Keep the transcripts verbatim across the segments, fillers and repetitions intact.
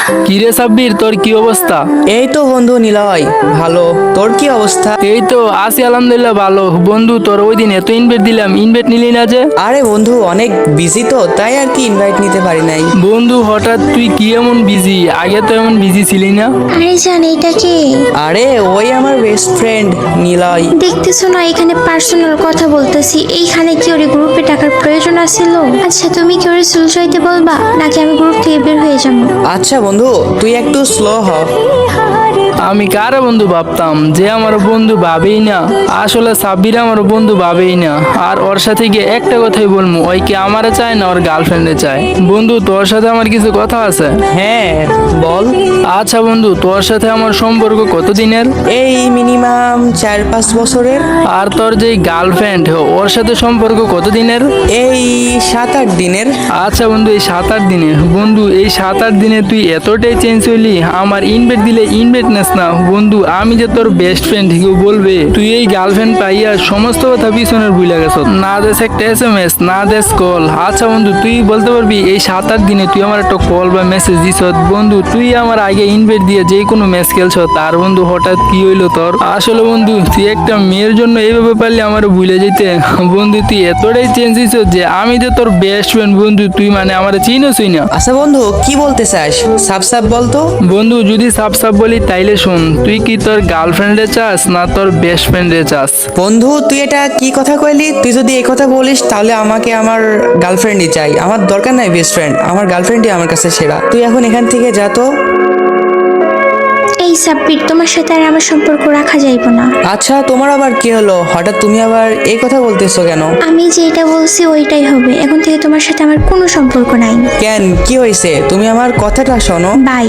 কিরে সাব্বির, তোর কি অবস্থা? এই তো বন্ধু নিলয়, ভালো। তোর কি অবস্থা? এই তো আছি আলহামদুলিল্লাহ ভালো। বন্ধু তোর ওই দিন এত ইনভাইট দিলাম, ইনভাইট নিলি না যে? আরে বন্ধু অনেক বিজি তো, তাই আর কি ইনভাইট নিতে পারি নাই। বন্ধু হঠাৎ তুই কি এমন বিজি? আগে তো এমন বিজি ছিলি না। আরে জান, এটা কে? আরে ওই আমার বেস্ট ফ্রেন্ড নিলয়। দেখতেছো না এখানে পার্সোনাল কথা বলতেছি, এইখানে কি ওর গ্রুপে টাকার প্রয়োজন আছিল? আচ্ছা তুমি কি ওরে সুলসাইতে বলবা নাকি আমি গ্রুপ থেকে বের হয়ে যাবো? আচ্ছা বন্ধু তুই একটু স্লো হ। আমি কারে বন্ধু ভাবতাম যে আমার বন্ধু ভাবেই না। আসলে সাব্বির আমার বন্ধু ভাবেই না। আর ওর সাথে গিয়ে একটা কথাই বলবো, ওই কি আমারে চায় না ওর গার্লফ্রেন্ডে চায়। বন্ধু তোর সাথে আমার কিছু কথা আছে। হ্যাঁ বল। আচ্ছা বন্ধু, তোর সাথে আমার সম্পর্ক কতদিনের? এই মিনিমাম চার পাঁচ বছরের। আর তোর যে গার্লফ্রেন্ড ওর সাথে সম্পর্ক কতদিনের? এই সাত আট দিনের। আচ্ছা বন্ধু, এই সাত আট দিনে বন্ধু এই সাত আট দিনে তুই এতটাই চেঞ্জ হইলি, আমার ইনভাইট দিলে ইনভাইট নেস না। বন্ধু আমি যে তোর বেস্ট ফ্রেন্ড, কেউ বলবে তুই এই গার্লফ্রেন্ড পাইয়া সমস্ত কথা পিছনের ভুলে গেছ। না দেশ একটা এস এম এস, না দেশ কল। আচ্ছা বন্ধু তুই বলতে পারবি এই সাত আট দিনে তুই আমার একটা কল বা মেসেজ দিছ? বন্ধু তুই আমার আগে ইনভাইট দিয়ে যে কোনো ম্যাচ খেলছ, তার বন্ধু হঠাৎ কি হইলো তোর? আসলে বন্ধু তুই একটা মেয়ের জন্য এইভাবে পারলি আমার ভুলে যেতে। বন্ধু তুই এতটাই চেঞ্জ হইছ যে আমি যে তোর বেস্ট ফ্রেন্ড বন্ধু, তুই মানে আমার চিনোসই না। আচ্ছা বন্ধু কি বলতে চাস, সাপ সাপ বলতো। বন্ধু যদি সাপ সাপ বলি তাইলে শোন, তুই কি তোর গার্লফ্রেন্ডে চাস না তোর বেস্ট ফ্রেন্ডে চাস? বন্ধু তুই এটা কি কথা কইলি? তুই যদি এই কথা বলিস তাহলে আমাকে আমার গার্লফ্রেন্ডই চাই, আমার দরকার নাই বেস্ট ফ্রেন্ড। আমার গার্লফ্রেন্ডই আমার কাছে সেরা। তুই এখন এখান থেকে যা তো। এই সাব্বির, তোমার সাথে আর আমার সম্পর্ক রাখা যাইব না। আচ্ছা তোমার আবার কি হলো? হঠাৎ তুমি আবার এই কথা বলতেছো কেন? আমি যেটা বলছি ওইটাই হবে, এখন থেকে তোমার সাথে আমার কোনো সম্পর্ক নাই। কেন, কি হয়েছে? তুমি আমার কথাটা শোনো। বাই।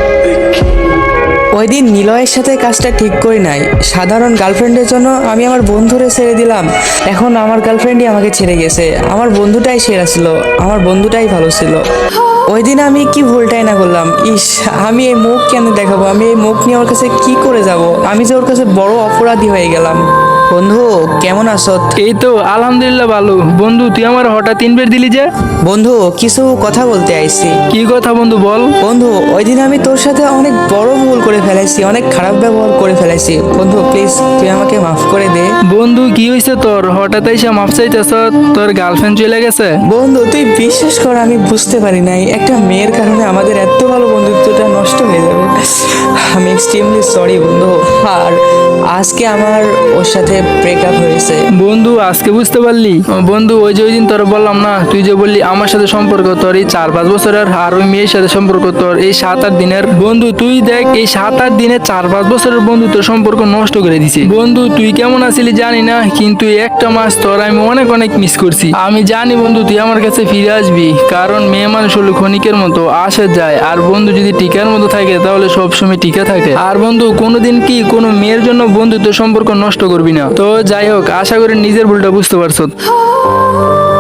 ওই দিন নিলয়ের সাথে কাজটা ঠিক করি নাই। সাধারণ গার্লফ্রেন্ডের জন্য আমি আমার বন্ধুরে ছেড়ে দিলাম। এখন আমার গার্লফ্রেন্ডই আমাকে ছেড়ে গেছে। আমার বন্ধুটাই সেরা ছিল, আমার বন্ধুটাই ভালো ছিল। ওই দিন আমি কি ভুলটাই না করলাম। ইস, আমি এই মুখ কেন দেখাবো? আমি এই মুখ নিয়ে ওর কাছে কি করে যাব? আমি যে ওর কাছে বড় অপরাধী হয়ে গেলাম। বন্ধু কেমন আছো? এই তো আলহামদুলিল্লাহ ভালো। বন্ধু তুই আমার হঠাৎ ইনভাইট দিলি যে? বন্ধু কিছু কথা বলতে আইছি। কি কথা বন্ধু বল? বন্ধু ওই দিন আমি তোর সাথে অনেক বড় ভুল করে ফেলাইছি, অনেক খারাপ ব্যবহার করে ফেলাইছি। বন্ধু প্লিজ তুই আমাকে মাফ করে দে। বন্ধু কি হয়েছে তোর? হঠাৎ এসে মাফ চাইতেছ? তোর গার্লফ্রেন্ড চলে গেছে? বন্ধু তুই বিশ্বাস কর, আমি বুঝতে পারি নাই একটা মেয়ের কারণে আমাদের এত ভালো বন্ধুত্বটা নষ্ট হয়ে যাবে। আমি এক্সট্রিমলি সরি বন্ধু। আর আজকে আমার ওর সাথে ব্রেকআপ হয়েছে। বন্ধু আজকে বুঝতে পারলি? বন্ধু ওই যে ওই দিন তোর বললাম না, তুই যে বললি আমার সাথে সম্পর্ক তোর এই চার পাঁচ বছরের, আর ওই মেয়ের সাথে সম্পর্ক তোর এই সাত আট দিনের। বন্ধু তুই দেখ এই সাত আট দিনে চার পাঁচ বছরের বন্ধু তোর সম্পর্ক নষ্ট করে দিছে। বন্ধু তুই কেমন আছিলি জানি না, কিন্তু এই একটা মাস তোর আমি অনেক অনেক মিস করছি। আমি জানি বন্ধু তুই আমার কাছে ফিরে আসবি, কারণ মেয়ে মানুষ হলো ক্ষণিকের মতো আসে যায়, আর বন্ধু যদি টিকার মতো থাকে তাহলে সবসময় টিকা থাকে। আর বন্ধু কোনোদিন কি কোনো মেয়ের জন্য বন্ধুত্ব সম্পর্ক নষ্ট করবি না। তো যাই হোক, আশা করি নিজের ভুলটা বুঝতে পারছো।